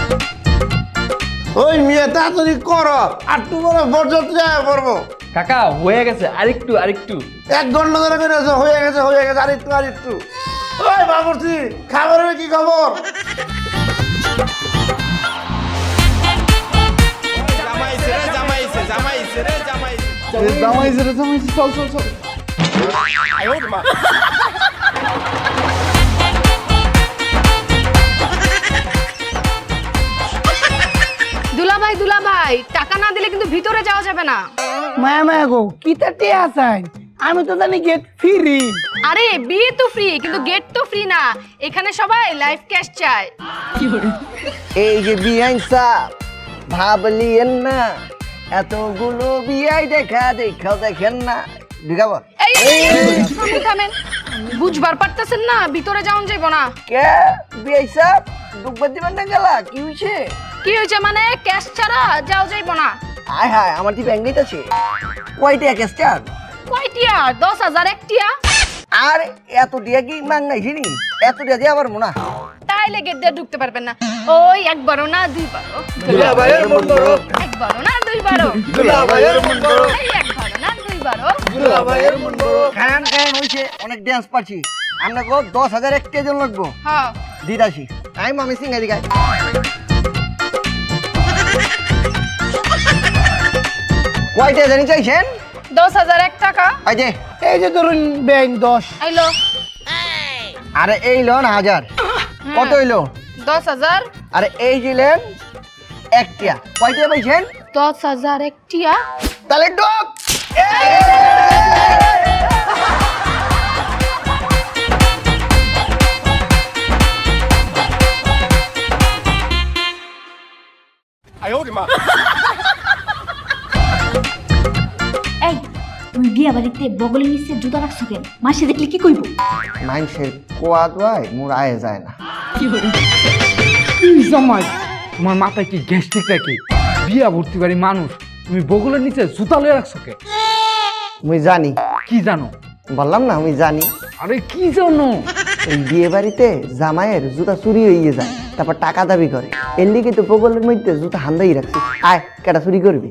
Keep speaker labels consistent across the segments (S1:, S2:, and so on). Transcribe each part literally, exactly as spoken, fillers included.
S1: ওই মেয়ে তাড়াতাড়ি করো, আর তোমার বরযাত্রী আয়া পড়বো।
S2: কাকা হয়ে গেছে, আরেকটু আরেকটু।
S1: এক ঘন্টা ধরে করে আছে, হয়ে গেছে হয়ে গেছে, আরেকটু আরেকটু। ওই বাবুর্চি, খাবারের কি খবর?
S2: জামাইছে রে জামাইছে, চল চল চল।
S3: দুলাভাই দুলাভাই, টাকা না দিলে কিন্তু ভিতরে যাওয়া যাবে না।
S4: মায়া মায়া গো, কি তাতে আছেন? আমি তো জানি গেট ফ্রি।
S3: আরে বিয়ে তো ফ্রি, কিন্তু গেট তো ফ্রি না। এখানে সবাই লাইফ ক্যাশ চায়।
S5: এই যে বিয়াই সাহ ভাবলিয়েন না, এতগুলো বিয়াই দেখা দেখাও দেখেন না ঢুকাবো।
S3: এই থামেন থামেন, বুঝবার পারতেছেন না ভিতরে যাওয়া যাইব না।
S5: কে বিয়াই সাহ ডুববার দিবেন না গেলা? কি হয়েছে?
S3: কি হয়েছে মানে? ক্যাশ ছাড়া যাওয়া যাইব না।
S5: আয় হায়, আমার কি ব্যাংক আছে? কয়টা এক স্টার?
S3: কয়টিয়া? দশ হাজার একটিয়া।
S5: আর এত দিয়া কি মাংনাইছি নি? এত দিয়া দিয়ে আবার মোনা
S3: তাইলে গেট দিয়ে ঢুকতে পারবেন না। ওই একবারও না দুইবারও,
S2: দুলাভাইয়ের মন বড়,
S3: একবারও না দুইবারও,
S2: দুলাভাইয়ের মন বড়,
S3: এই একবারও না দুইবারও।
S2: দুলাভাইয়ের মন বড়।
S5: খান খান হয়েছে, অনেক ড্যান্স পারছি। আমরা গো দশ হাজার একটা জন লাগবো,
S3: হ্যাঁ
S5: দিদাসি আমি মামি সিং এদিকে আয়। কয়টা জানি চাইছেন?
S3: দশ হাজার এক টাকা।
S5: এই যে
S4: এই যে ধরুন ব্যাংক দশ।
S3: আইলো
S5: আরে এই লোন হাজার, কত হইলো?
S3: দশ হাজার।
S5: আরে এই যে লেন একটা, কয়টা পাইছেন?
S3: দশ হাজার একটিয়া।
S5: তাহলে ডক
S6: এই তুমি বিয়া বাড়িতে বগলের নিচে জুতা রাখছো কেন? মাসে দেখলে কি কইব?
S5: মানুষের কোয়াদ ভাই মোর আয়ে যায় না।
S2: জামাই, তোমার মাথায় কি গ্যাস্ট্রিক নাকি? বিয়া ভর্তি বাড়ি মানুষ, তুমি বগলের নিচে জুতা লয়ে রাখছো কে?
S5: আমি জানি।
S2: কি জানো?
S5: বললাম না আমি জানি।
S2: আরে কি জানো?
S5: এই বিয়ে বাড়িতে জামাইয়ের জুতা চুরি হয়ে যায়, তারপর টাকা দাবি করে। এর লিগে তো বগলের মধ্যে জুতা হান্দাই রাখছি। আয় কেটা চুরি করবি?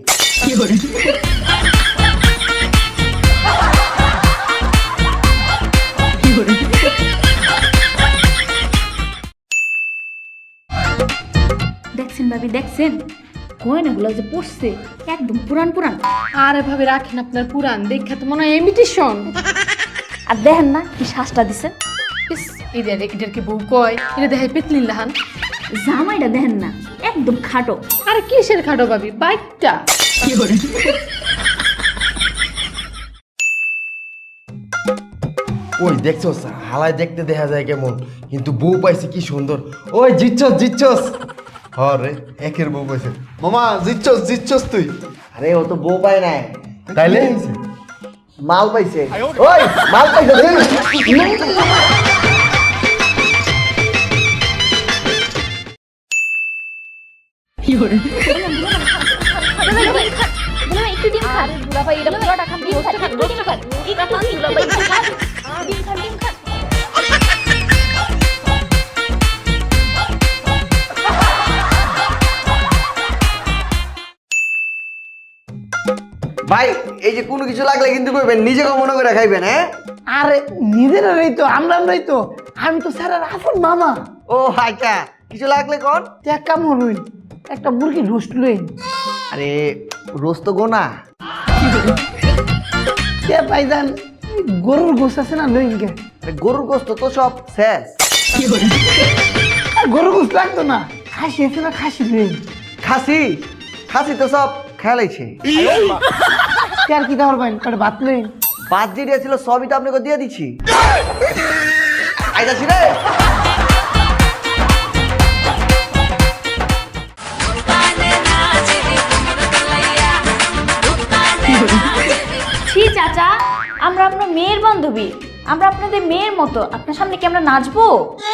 S6: দেখছেন ভাবি, দেখছেন গয়নাগুলো যে পড়ছে একদম পুরান পুরান।
S3: আরে ভাবে রাখেন আপনার পুরান, দেখা তো মনে হয় ইমিটেশন।
S6: আর দেখেন না কি শ্বাসটা দিছেন।
S3: ইস, এদের এদের কি বউ কয়? এটা দেখাই পেতলিন লাহান।
S6: জামাইটা দেখেন না একদম খাটো।
S3: আরে কিসের খাটো ভাবি? বাইকটা।
S1: ওই দেখছো হালায় দেখতে দেখা যায় কেমন, কিন্তু বউ পাইছে কি সুন্দর। ওই জিতছস জিতছস, হরে একের বউ পাইছে। মামা জিতছস জিতছস তুই।
S5: আরে ও তো বউ পায় নাই,
S1: তাইলে
S5: মাল পাইছে। ওই মাল পাইছে রে।
S6: একটু ডিম খান দুলাভাই, এটা পুরোটা খান, ডিম খান, একটু ডিম খান, একটু খান দুলাভাই, ডিম খান, ডিম খান, ডিম খান।
S5: ভাই এই যে কোনো কিছু লাগলে কিন্তু কইবেন, নিজেকে মনে করে খাইবেন। হ্যাঁ
S4: আরে নিজেরাই তো, আমরা আমরাই তো। আমি তো স্যারের আপন মামা।
S5: ও আচ্ছা, কিছু লাগলে কোন
S4: এক কাম হইন, একটা মুরগি রোস্ট লইন।
S5: আরে রোজ তো গোনা।
S4: কে পাইজান গরুর গোস্ত আছে না, লইন কে?
S5: আরে গরুর গোস্ত তো সব শেষ।
S4: আর গরুর গোস্ত লাগতো না, খাসি আছে না, খাসি লইন।
S5: খাসি খাসি তো সব খেলাইছে।
S4: কে আর কি খাবার পাইন? কটা ভাত লইন।
S5: বাদ যে দিয়েছিল সবই তো আপনাকে দিয়ে দিচ্ছি। আইতাছি রে।
S6: ছি চাচা, আমরা আপনার মেয়ের বান্ধবী, আমরা আপনাদের মেয়ের মতো, আপনার সামনে কি আমরা নাচবো?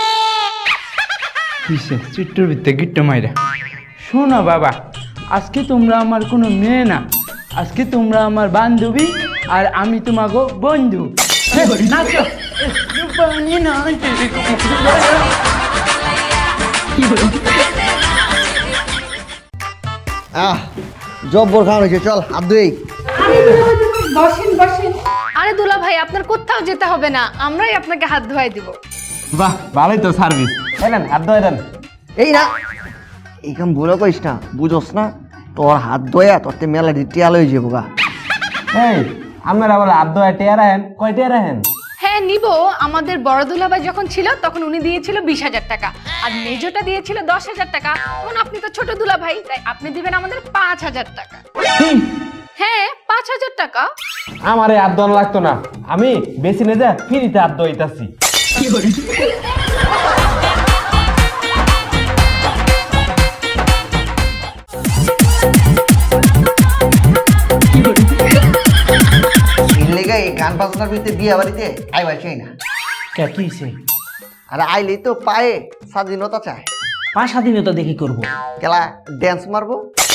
S2: কিসে চিট্টুর ভিতরে গিট্টো মাইরা। শোনো বাবা, আজকে তোমরা আমার কোনো মেয়ে না, আজকে তোমরা আমার বান্ধবী আর আমি তোমাকে বন্ধু। নাচো। কি
S5: আহ জব্বর খাওয়া হয়েছে, চল হাত ধুই।
S3: আরে দুলা ভাই আপনার কোথাও যেতে হবে না, আমরাই আপনাকে হাত ধোয়াই দিব।
S1: বাহ ভালোই তো সার্ভিস। এলেন হাত ধোয়া দেন।
S5: এই না এই কাম ভুলো করিস না, বুঝোস না তোর হাত ধোয়া তোর তে মেলা টিয়াল হয়ে যাবো গা।
S1: এই আপনারা বলে হাত ধোয়া টিয়া রাখেন, কয় টিয়া রাখেন?
S3: হ্যাঁ নিব, আমাদের বড় দুলা ভাই যখন ছিল তখন উনি দিয়েছিল বিশ হাজার টাকা, আর মেজোটা দিয়েছিল দশ হাজার টাকা। এখন আপনি তো ছোট দুলা ভাই, তাই আপনি দিবেন আমাদের পাঁচ হাজার টাকা। হ্যাঁ পাঁচ হাজার টাকা।
S1: আমার এই হাত ধোয়া লাগতো না, আমি বেশি নে যা ফ্রিতে হাত ধোয়াইতাছি।
S5: লেগে এই গান বাজনার ভিতরে বিয়ে বাড়িতে আইবার চাই না।
S4: কে কি হইছে?
S5: আর আইলে তো পায়ে স্বাধীনতা চায়।
S4: পা স্বাধীনতা দেখি করবো।
S5: কেলা ড্যান্স মারবো।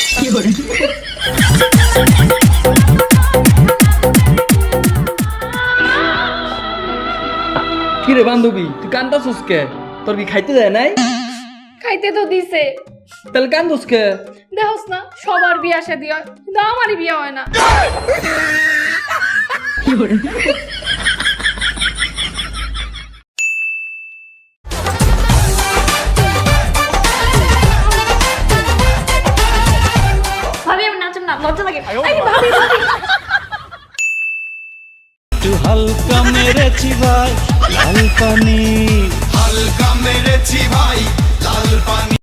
S2: কি রে বান্ধবী, তুই কান্দাছিস কে? তোর কি খাইতে দেয় নাই?
S3: খাইতে তো দিছে,
S2: তাহলে কান্দুস কে?
S3: দেখোস না সবার বিয়া শাদী হয়, কিন্তু আমারই বিয়া হয় না।
S6: ভাবি আমি নাচুন না, লজ্জা লাগে। আরে ভাবি ভাবি
S7: হালকা মেরেছি ভাই লাল পানি, হালকা মেরেছি ভাই লাল পানি।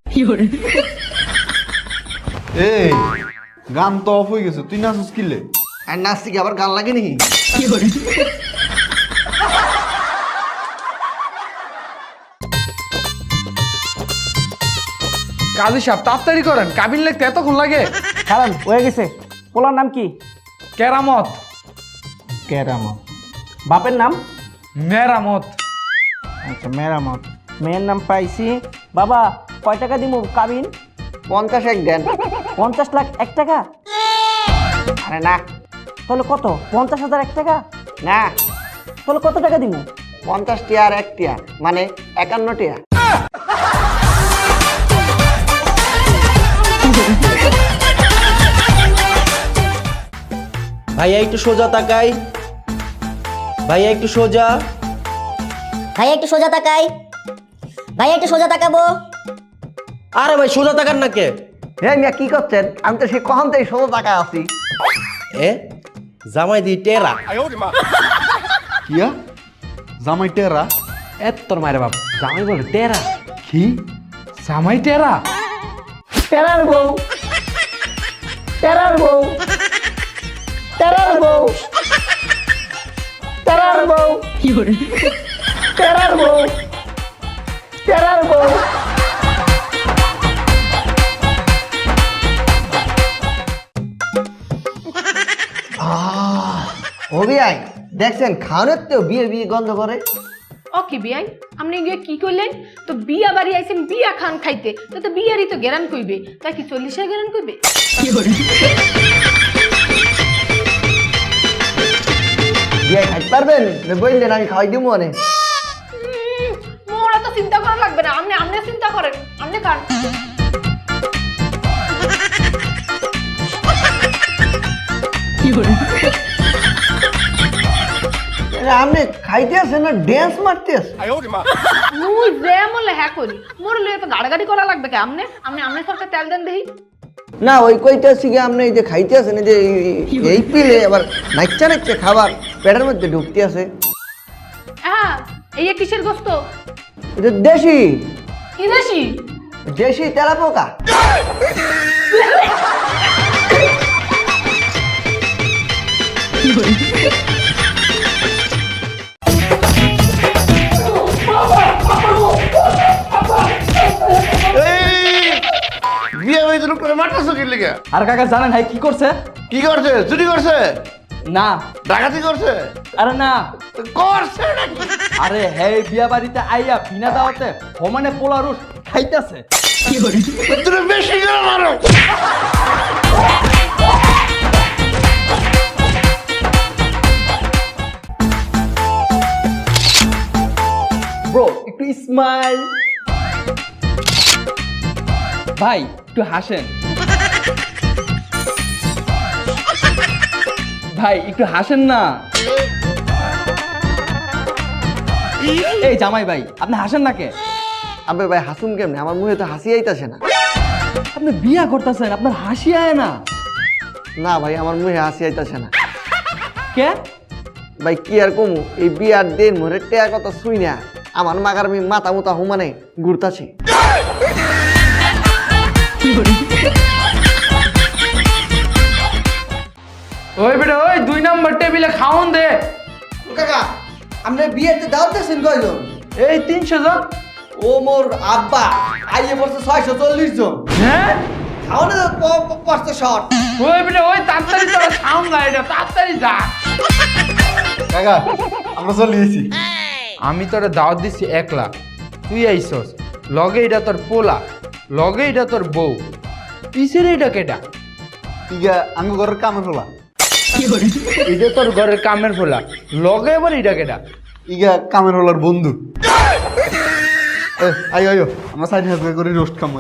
S1: এই গান তো অফ হয়ে গেছে, তুই নাচুস কিলে?
S5: আর নাচতে কি আবার গান লাগে নাকি?
S2: কাজী সাহেব তাড়াতাড়ি করেন, কাবিল লিখতে এতক্ষণ লাগে?
S4: কারণ হয়ে গেছে। পোলার নাম কি?
S2: কেরামত।
S4: কেরামত। বাপের নাম?
S2: মেরামত।
S4: আচ্ছা মেরামত। মেয়ের নাম পাইছি। বাবা কয় টাকা দিব কাবিন?
S5: পঞ্চাশ এক দেন।
S4: পঞ্চাশ লাখ এক টাকা?
S5: আরে না
S4: তাহলে কত? পঞ্চাশ হাজার এক টাকা?
S5: না,
S4: তাহলে কত টাকা দিব?
S5: পঞ্চাশ টিয়া আর এক টিয়া মানে একান্ন টিয়া।
S8: ভাইয়া একটু সোজা তাকাই, ভাইয়া একটু সোজা।
S9: ভাইয়া একটু সোজা তাকাই, ভাইয়া একটু সোজা তাকাবো।
S8: আরে ভাই সোজা তাকান না কে?
S5: হ্যাঁ মিয়া কি করছেন? আমি তো সেই কখন থেকে ষোলো টাকা আছি।
S8: এ জামাই দি টেরা।
S1: কিয়া জামাই টেরা?
S2: এত তোর মায়ের বাপ, জামাই বলে টেরা? কি জামাই টেরা?
S4: টেরার বউ, টেরার বউ, টেরার বউ, টেরার বউ, টেরার বউ, টেরার বউ।
S5: হবি আই দেখছেন খাওয়ানোর তো বিয়ে বিয়ে গন্ধ করে।
S3: ওকে বিয়াই, আপনি গিয়ে কি করলেন? তো বিয়া বাড়ি আইছেন বিয়া খান খাইতে, তো তো বিয়ারই তো গেরান কইবে, তাই কি চল্লিশের গেরান কইবে?
S5: বিয়ে খাইতে পারবেন? বললেন আমি খাওয়াই দিব মনে।
S3: উম, মোরা তো চিন্তা করা লাগবে না, আপনি আপনি চিন্তা করেন, আপনি খান।
S5: আপনি খাইতে আছেন না ড্যান্স মারতে আছেন?
S3: মুই যে মলে হ্যাঁ করি, মোর লয়ে তো গাড়াগাড়ি করা লাগবে কে? আপনি আপনি আপনি সরকার তেল দেন দেহি।
S5: না ওই কইতে আছি কি আপনি এই যে খাইতে আছেন এই যে এই- এই পিলে আবার নাচ্চা নাচ্চা খাবার পেটের মধ্যে ঢুকতে আছে।
S3: হ্যাঁ এই যে কিসের গোস্ত?
S5: এটা দেশি
S3: কি দেশি?
S5: দেশি তেলা পোকা।
S1: বিয়ে হয়েছে লোক করে মারতেছো কি লিগে?
S2: আর কাকা জানেন ভাই কি করছে?
S1: কি করছে? চুরি করছে?
S2: না।
S1: ডাকাতি করছে?
S2: আরে না।
S1: তো করছে নাকি?
S2: আরে হে বিয়া বাড়িতে আইয়া বিনা দাওয়াতে সমানে পোলারুস খাইতেছে।
S1: তুমি বেশি করে মারো।
S2: ব্রো একটু স্মাইল। ভাই একটু হাসেন। ভাই একটু হাসেন না। এই জামাই ভাই আপনি হাসেন না কে?
S5: আবে ভাই হাসুম কেমনে, আমার মুখে তো হাসি আইতাছে না।
S2: আপনি বিয়া করতেছেন, আপনার হাসি আয় না
S5: না ভাই আমার মুখে হাসি আইতাছে না।
S2: কে?
S5: ভাই কি আর কমু, এই বিয়ার দিন মোরে টেয়া কথা শুই না আমার মাগার আমি মাথা মুতা হুমানে ঘুরতাছে।
S2: ওই বেটা ওই দুই নম্বর টেবিলে খাওন দে।
S5: কাকা আপনি বিয়েতে দাওয়াত দিয়েছেন কয়জন?
S2: এই তিনশো জন।
S5: ও মোর আব্বা আইয়ে পড়ছে ছয়শো চল্লিশ জন।
S2: হ্যাঁ
S5: খাওয়ানো পড়ছে শর্ট।
S2: ওই বেটা ওই তাড়াতাড়ি তোরা খাওন না, এটা তাড়াতাড়ি যা।
S1: কাকা আমরা চলে গেছি।
S2: আমি তোরা দাওয়াত দিচ্ছি একলা, তুই আইসস লগে এটা তোর পোলা, লগে এটা তোর বউ, পিছের এটা কেটা?
S1: ইগা আমি ঘরের কামে ফেলা।
S2: এটা তোর ঘরের কামের পোলা, লগে এবার এটা কেটা?
S1: ইগা কামের হলার বন্ধু। এ, আইও আইও আমরা সাইড হাত করে রোস্ট খামো।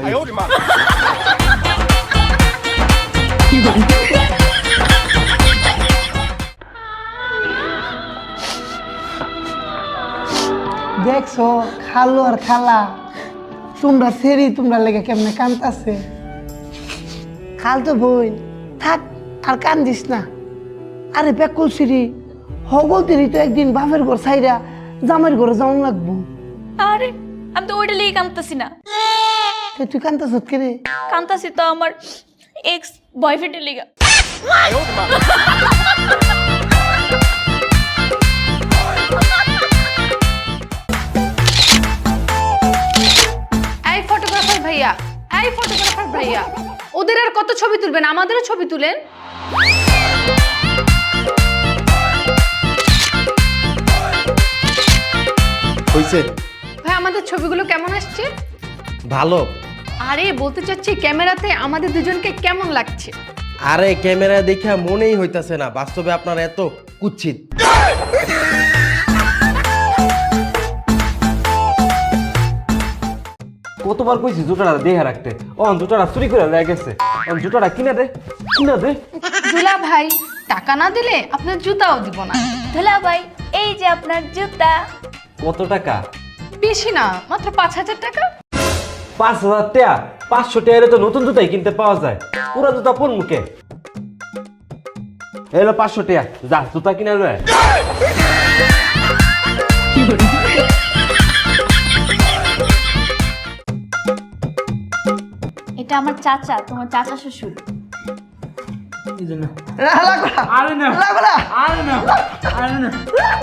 S10: দেখছো খালু আর খালা তোমরা সেরি তোমরা লেগে কেমনে কান্দাছে। খাল তো বোন থাক আর কান্দিস না। আরে বেকুল সিরি হগল তিরি তো একদিন বাপের ঘর সাইরা জামাইয়ের ঘরে যাওয়া লাগবো।
S6: আরে আমি তো ওইটা লিগে কাঁদতেছি না,
S10: তো তুই কান্দাস কে রে?
S6: কাঁদতেছি তো আমার এক্স বয়ফ্রেন্ডের লিগা।
S3: এই ফটোগ্রাফার ভাইয়া, এই ফটোগ্রাফার ভাইয়া, ওদের আর কত ছবি তুলবেন, আমাদেরও ছবি তুলেন।
S1: হইছে
S3: ভাই আমাদের ছবিগুলো কেমন আসছে?
S8: ভালো।
S3: আরে বলতে চাচ্ছি ক্যামেরাতে আমাদের দুজনকে কেমন লাগছে?
S8: আরে ক্যামেরা দেখা মনেই হইতাছে না বাস্তবে আপনারা এত কুৎসিত।
S4: কতবার কইছি জুতাটা দেখে রাখতে, ও জুতাটা চুরি করে লেগে গেছে, ও জুতাটা কিনে দে কিনে দে।
S3: দুলা ভাই টাকা না দিলে আপনার জুতাও দিব না।
S6: দুলা ভাই এই যে আপনার জুতা।
S4: কত টাকা?
S3: বেশি না, মাত্র পাঁচ হাজার টাকা।
S4: পাঁচ হাজার টাকা? পাঁচশো টাকা তো নতুন জুতাই কিনতে পাওয়া যায়, পুরা জুতা কোন মুখে? এলো পাঁচশো টাকা, যা জুতা কিনে লয়।
S6: এটা আমার চাচা, তোমার চাচা শ্বশুর।
S2: আরে না আরে না আরে না।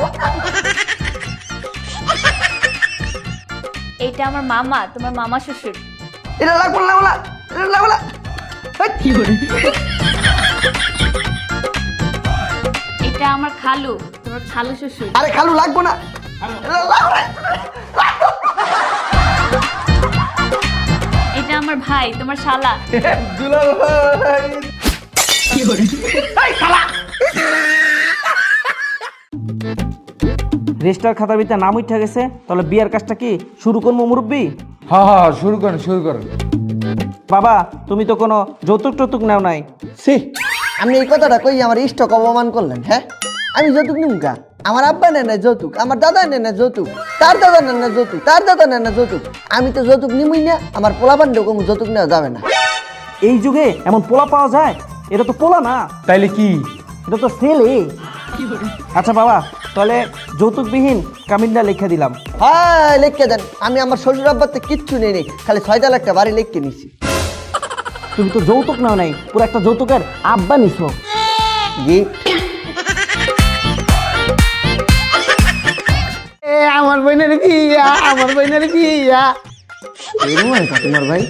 S6: এটা আমার মামা, তোমার মামা শ্বশুর।
S10: এটা লাগবো না, লাগবো না, এটা লাগবো না।
S6: কি করে? এটা আমার খালু, তোমার খালু শ্বশুর।
S10: আরে খালু লাগবো না, এটা লাগবো না।
S6: এটা আমার ভাই, তোমার শালা।
S1: দুলা ভাই
S6: কি করে?
S4: রেজিস্টার খাতার ভিতরে নাম উঠে গেছে, তাহলে বিয়ার কাজটা কি শুরু করবো মুরব্বী?
S2: হ্যাঁ হ্যাঁ শুরু করেন শুরু করেন।
S4: বাবা তুমি তো কোনো যৌতুক টৌতুক নেও নাই।
S5: সি আপনি এই কথাটা কই আমার ইষ্টক অপমান করলেন। হ্যাঁ আমি যৌতুক নিমকা, আমার আব্বা নেন না যৌতুক, আমার দাদা নেন না যৌতুক, তার দাদা নেন না যৌতুক, তার দাদা নেন না যৌতুক, আমি তো যৌতুক নিমই না, আমার পোলাপান্ডেও কোনো যৌতুক নেওয়া যাবে না।
S4: এই যুগে এমন পোলা পাওয়া যায়? এটা তো পোলা না,
S2: তাইলে কি?
S4: এটা তো ছেলে। আচ্ছা বাবা তাহলে যৌতুকবিহীন কামিনটা লিখে দিলাম।
S5: হ্যাঁ লিখকে দেন, আমি আমার শ্বশুর আব্বাতে কিচ্ছু নেই নেই, খালি ছয়টা লাখটা বাড়ি লিখকে নিছি।
S4: তুমি তো যৌতুক নাও নাই, পুরো একটা যৌতুকের আব্বা নিছো।
S5: গিফট।
S10: এ আমার বোনের বিয়া, আমার বোনের বিয়া।
S5: এরকম হয় কা তোমার ভাই?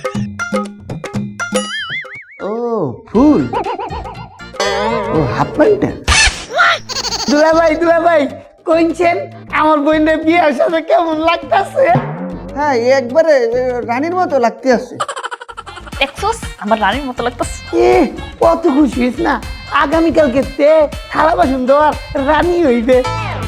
S5: ও ফুল, ও হাফ প্যান্টটা।
S10: দুলা ভাই দুলা ভাই কইছেন আমার বোনের বিয়ার সাথে কেমন লাগতাছে?
S5: হ্যাঁ এ একবারে এ, রানীর মতো লাগতে আছে।
S6: দেখছোস আমার রানীর মতো লাগতেছে।
S10: এ কত খুশি হইস না, আগামীকালকে তে থালা বাসন দেওয়ার রানী হইবে।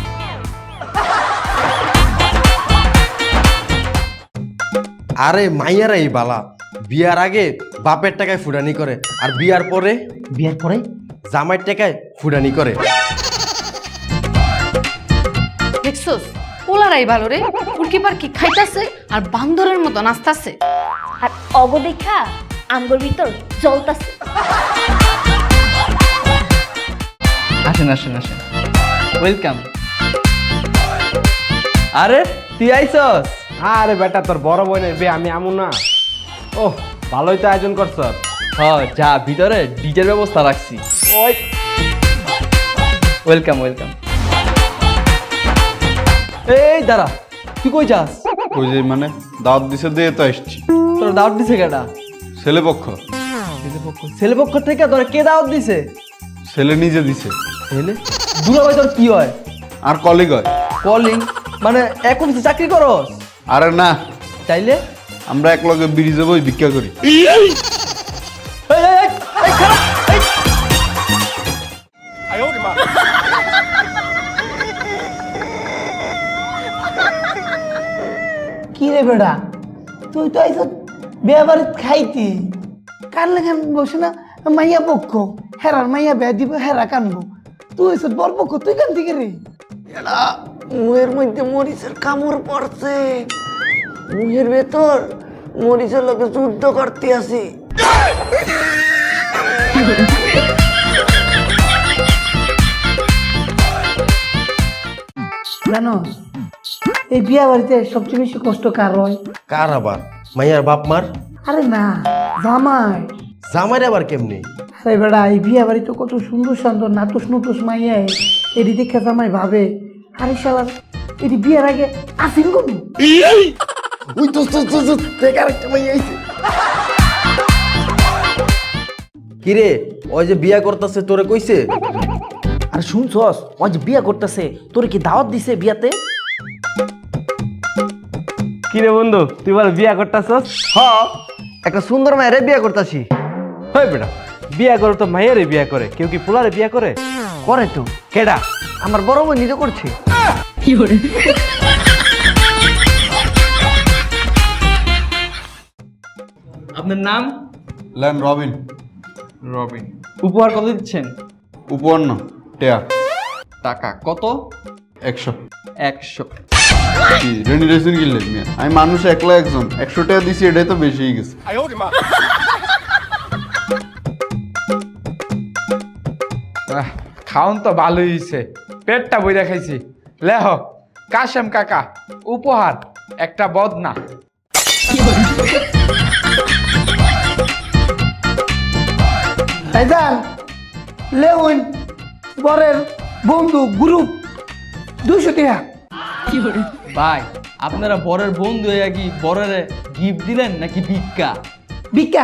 S8: আরে মাইয়ারাই বালা, বিয়ার আগে বাপের টাকায় ফুটানি করে আর বিয়ার পরে
S5: বিয়ার পরে
S8: জামাইয়ের টাকায় ফুটানি করে।
S3: দেখছোস পোলারাই ভালো রে, উল্কিপার কি খাইতাছে আর বান্দরের মতো নাচতাছে।
S6: আর অগদেখা আমগর ভিতর জ্বলতাছে।
S2: আসেন আসেন আসেন, ওয়েলকাম। আরে তুই আইছস?
S8: আরে বেটা তোর বড় বোনের বে আমি আমু না। ওহ ভালোই তো আয়োজন করছ।
S2: হ যা, ভিতরে ডিজের ব্যবস্থা রাখছি।
S8: ওই
S2: ওয়েলকাম ওয়েলকাম। এই দাঁড়া, তুই কই যাস?
S1: ওই যে মানে দাওয়াত দিছে দিয়ে তো আসছি।
S2: তোর দাওয়াত দিছে কেডা?
S1: ছেলে পক্ষ।
S2: ছেলে পক্ষ থেকে তোর কে দাওয়াত দিছে?
S1: ছেলে নিজে দিছে।
S2: ছেলে? দুলাভাই তোর কি হয়?
S1: আর কলিগ হয়।
S2: কলিং মানে এক অফিসে চাকরি করস?
S1: আরে না,
S2: তাইলে
S1: আমরা এক লগে ব্রিজে বই ভিক্ষা করি।
S2: এই, এই, এই, এই, খাড়া, এই।
S10: কি রে বেড়া, তুই তো আইস বিয়া বাড়িত খাইতি, কার লেখান বসে না মাইয়া পক্ষ, হেরার মাইয়া বিয়া দিব, হেরা কানবো, তুই এসে বর পক্ষ, তুই কান থেকে রে? এরা মুহের মধ্যে মরিচের কামড় পড়ছে, মুহের ভেতর মরিচের লোকে যুদ্ধ করতে আসি। জানো এই বিয়া বাড়িতে সবচেয়ে বেশি কষ্ট কার হয়?
S8: কার আবার? মাইয়ার বাপ মার?
S10: আরে না, জামাই।
S8: জামাইয়ের আবার কেমনে?
S10: আরে বেড়া, এই বিয়া বাড়ি তো কত সুন্দর সুন্দর নাতুস নতুস মাইয়া, এটি দেখে জামাই ভাবে আরে শালার এটি বিয়ের আগে আসিন কোন
S8: ওই তো তো তো তো দেখ আরেকটা মাইয়া আইছে। কি রে, ওই যে বিয়া করতেছে তোরে কইছে?
S4: আর শুনছস ওই যে বিয়া করতেছে, তোর কি দাওয়াত দিছে বিয়াতে?
S8: কি রে বন্ধু, তুই বল বিয়া করতেছস?
S5: হ, একটা সুন্দর মায়ের বিয়ে করতেছি।
S8: হয় বেটা, বিয়া করে তো মাইয়ারে বিয়া করে, কেউ কি পোলারে বিয়া করে?
S5: করে তো,
S8: কেডা?
S5: আমার বড় বোন নিজে করছে।
S2: আপনার নাম?
S1: লেন রবিন।
S2: রবিন। উপহার কত দিচ্ছেন?
S1: উপহার না, টেয়া
S2: টাকা কত?
S1: একশো।
S2: একশো।
S1: কি রেনি রেসিন কিনলেন মিয়া? আমি মানুষ একলা একজন, একশো টাকা দিছি, এটাই তো বেশি হয়ে গেছে।
S2: আহ, খাওন তো ভালোই হয়েছে, পেটটা বইরা খাইছি। লেহ কাশেম কাকা, উপহার একটা বদনা।
S10: ভাইজান লেউন বরের বন্ধু গ্রুপ দুইশো টাকা।
S2: ভাই আপনারা বরের বন্ধু হয়ে কি বরের গিফট দিলেন নাকি ভিক্ষা?
S10: ভিক্ষা।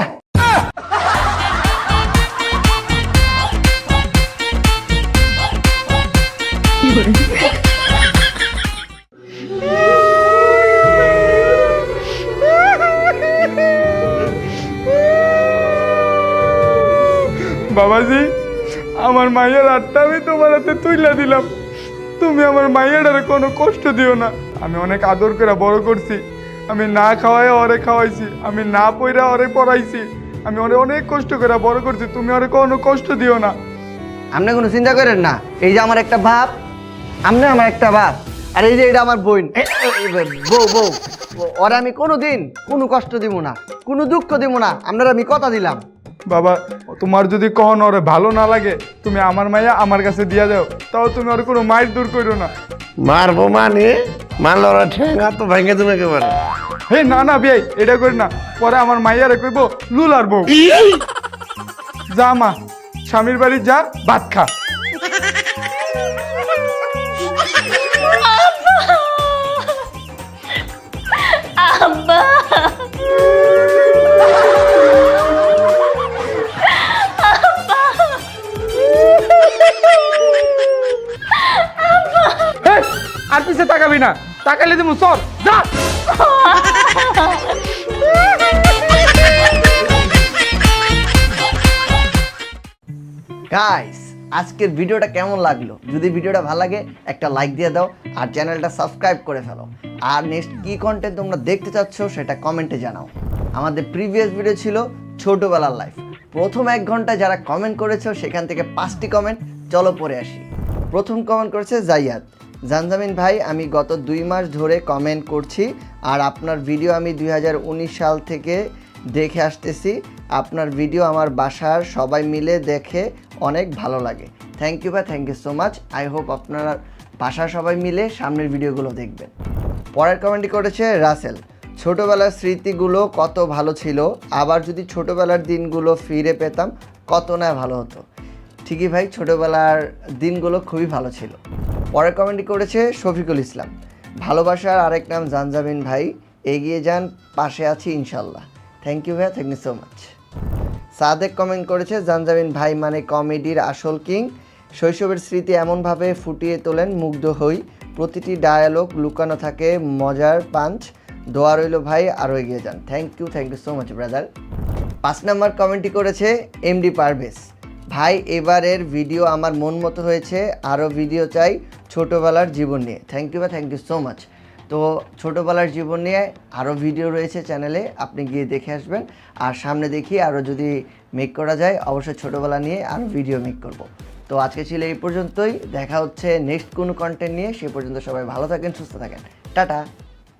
S2: বাবাজি, আমার মায়ের হাতটা আমি তোমার হাতে তুইলা দিলাম, তুমি আমার মায়েরারে কোনো কষ্ট দিও না। আমি অনেক আদর করে বড় করছি, আমি না খাওয়াই ওরে খাওয়াইছি, আমি না পইরা ওরে পড়াইছি, আমি ওরে অনেক কষ্ট করে বড় করছি, তুমি ওরে কোনো কষ্ট দিও না।
S5: আপনি কোনো চিন্তা করেন না, এই যে আমার একটা বাপ, আপনি আমার একটা বাপ, আর এই যে এটা আমার বোন, এ- এ- এ- বউ বউ ওরা আমি কোনো দিন কোনো কষ্ট দিব না, কোনো দুঃখ দিব না, আপনারা আমি কথা দিলাম।
S2: বাবা তোমার যদি কখনো ওরে ভালো না লাগে, তুমি আমার মাইয়া আমার কাছে দিয়া দাও, তাও তুমি ওর কোনো মাইর দূর করো না।
S8: মারবো মানে মারলে ওরা ঠেঙ্গা তো ভেঙে দেবে একেবারে।
S2: হে না না বিয়াই, এটা করি না, পরে আমার মাইয়ারে কইব লুলার বউ। যা মা, স্বামীর বাড়ি যা, ভাত খা।
S6: আব্বা
S2: হে, আর পিছে তাকাবি না, তাকালে তুমি সর যা।
S5: গাইস, আজকের ভিডিওটা কেমন লাগলো? যদি ভিডিওটা ভালো লাগে একটা লাইক দিয়ে দাও আর চ্যানেলটা সাবস্ক্রাইব করে ফেলো। আর নেক্সট কী কন্টেন্ট তোমরা দেখতে চাচ্ছ সেটা কমেন্টে জানাও। আমাদের প্রিভিয়াস ভিডিও ছিল ছোটোবেলার লাইফ, প্রথম এক ঘন্টা যারা কমেন্ট করেছো সেখান থেকে পাঁচটি কমেন্ট চলো পড়ে আসি। প্রথম কমেন্ট করেছে জাইয়াদ। জানজামিন ভাই, আমি গত দুই মাস ধরে কমেন্ট করছি আর আপনার ভিডিও আমি দুই হাজার উনিশ সাল থেকে দেখে আসতেছি। আপনার ভিডিও আমার বাসার সবাই মিলে দেখে অনেক ভালো লাগে। থ্যাংক ইউ ভাই, thank you so much. I hope আপনারা বাসার সবাই মিলে সামনের ভিডিওগুলো দেখবেন। পরের কমেন্টটি করেছে রাসেল। ছোটোবেলার স্মৃতিগুলো কত ভালো ছিল, আবার যদি ছোটোবেলার দিনগুলো ফিরে পেতাম কত না ভালো হতো। ঠিকই ভাই, ছোটোবেলার দিনগুলো খুবই ভালো ছিল। পরের কমেন্টটি করেছে শফিকুল ইসলাম। ভালোবাসার আরেক নাম জানজামিন ভাই, এগিয়ে যান, পাশে আছি ইনশাল্লাহ। থ্যাংক ইউ ভাই, thank you so much. Sadek comment করেছে, জানজামিন ভাই মানে কমেডির আসল কিং। শৈশবের স্মৃতি এমনভাবে ফুটিয়ে তোলেন, মুগ্ধ হই। প্রতিটি ডায়ালগ লুকানো থাকে মজার পাঞ্চ। দোয়া রইল ভাই, আরও এগিয়ে যান। Thank you, thank you so much brother. পাঁচ নাম্বার কমেন্টটি করেছে এমডি পারভেজ। ভাই এবারের ভিডিও আমার মন মতো হয়েছে, আরও ভিডিও চাই ছোটোবেলার জীবন নিয়ে। থ্যাংক ইউ ভাই, থ্যাংক ইউ সো মাচ। তো ছোটোবেলার জীবন নিয়ে আরও ভিডিও রয়েছে চ্যানেলে, আপনি গিয়ে দেখে আসবেন। আর সামনে দেখি আরও যদি মেক করা যায় অবশ্যই ছোটোবেলা নিয়ে আরও ভিডিও মেক করব। তো আজকে ছিল এই পর্যন্তই, দেখা হচ্ছে নেক্সট কোনো কন্টেন্ট নিয়ে। সে পর্যন্ত সবাই ভালো থাকেন, সুস্থ থাকেন, টাটা।